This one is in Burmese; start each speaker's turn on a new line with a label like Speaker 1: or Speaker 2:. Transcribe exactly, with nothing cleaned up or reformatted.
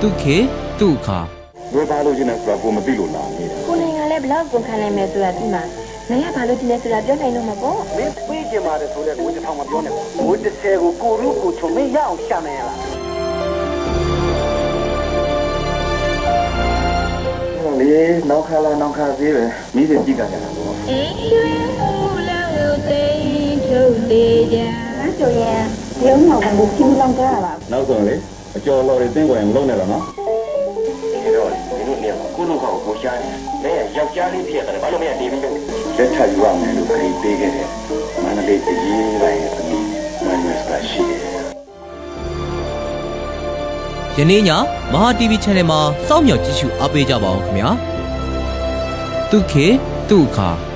Speaker 1: တုခေတုခါ
Speaker 2: ဘယ်ပါလို့ကျင်းနေဆိုတာကိုမသိလို့လာနေတာ
Speaker 3: ကိုနိုင်ကလည်းဘလောက်ကုန်ခံနိုင်မယ်ဆိုတာဒီမှာနိုင်ရဘာလို့ဒီနေ့ဆိုတာပြောနိုင်တော့မှာပေါ့
Speaker 4: မင်းပြေးကြမှာလေဆိုတဲ့ကိုတစ်ထောင်မပြောနဲ့ဘိုးတစ်ဆယ်ကိုကိုရုကိုချုံမရအောင်ရှာနေရလား
Speaker 2: လေနောက်ခါလာနောက်ခါသေးပဲမိစေကြည့်ကြကြတာပေါ့
Speaker 3: အေးရွှေဦးလောက်သိထုတ်သေးကြကျော်ရဲ့ရုံးတော်ကဘူးချင်းလောင်းကြရပါ
Speaker 2: နောက်ဆုံးလေအကျော်တော်တွေတင်းကွယ်မလုံးနဲ့တော့နော်ဒီတော့ဒီလိုနေကိုလူကောင်ကိုရှားနေတယ်ယောက်ျားလေးဖြစ်ရတယ်ဘာလို့မရတီးပြီးလို့လက်ထပ်ယူရမယ်လို့ခရီးပေးခဲ့တယ်မန္တလေးအရေးပိုင်းရဲ့အမိမန်နက်စကရှိတယ်
Speaker 1: ယနေ့ညမဟာ တီဗီ Channel မှာစောင့်မျှော်ကြည့်ရှုအားပေးကြပါအောင်ခင်ဗျာတုခေတုခါ